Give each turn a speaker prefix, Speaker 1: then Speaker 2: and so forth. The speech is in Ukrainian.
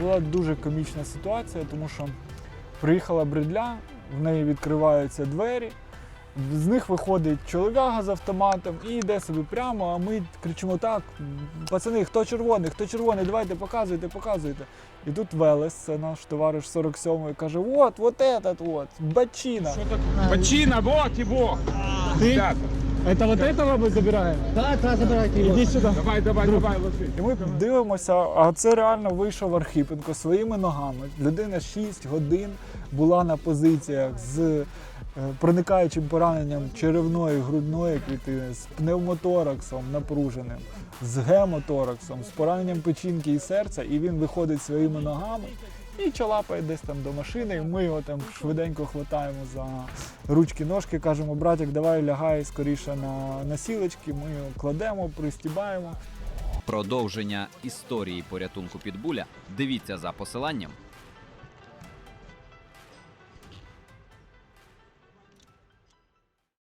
Speaker 1: Була дуже комічна ситуація, тому що приїхала бредля, в неї відкриваються двері, з них виходить чолов'яга з автоматом і йде собі прямо, а ми кричимо: так, пацани, хто червоний, давайте показуйте. І тут Велес, це наш товариш 47-й, каже: вот этот, бачина.
Speaker 2: Бачина, вот его!
Speaker 1: Ты? Это вот этого мы забираем?
Speaker 3: Да, забирайте его.
Speaker 1: Іди сюди.
Speaker 2: Давай, ложи.
Speaker 1: І ми дивимося, а це реально вийшов Архипенко своїми ногами. Людина 6 годин була на позиціях з проникаючим пораненням черевної, грудної клітини, з пневмотораксом напруженим, з гемотораксом, з пораненням печінки і серця, і він виходить своїми ногами і чалапає десь там до машини, і ми його там швиденько хватаємо за ручки-ножки, кажемо: братик, давай лягай скоріше на носілочки, ми його кладемо, пристібаємо.
Speaker 4: Продовження історії порятунку Питбуля дивіться за посиланням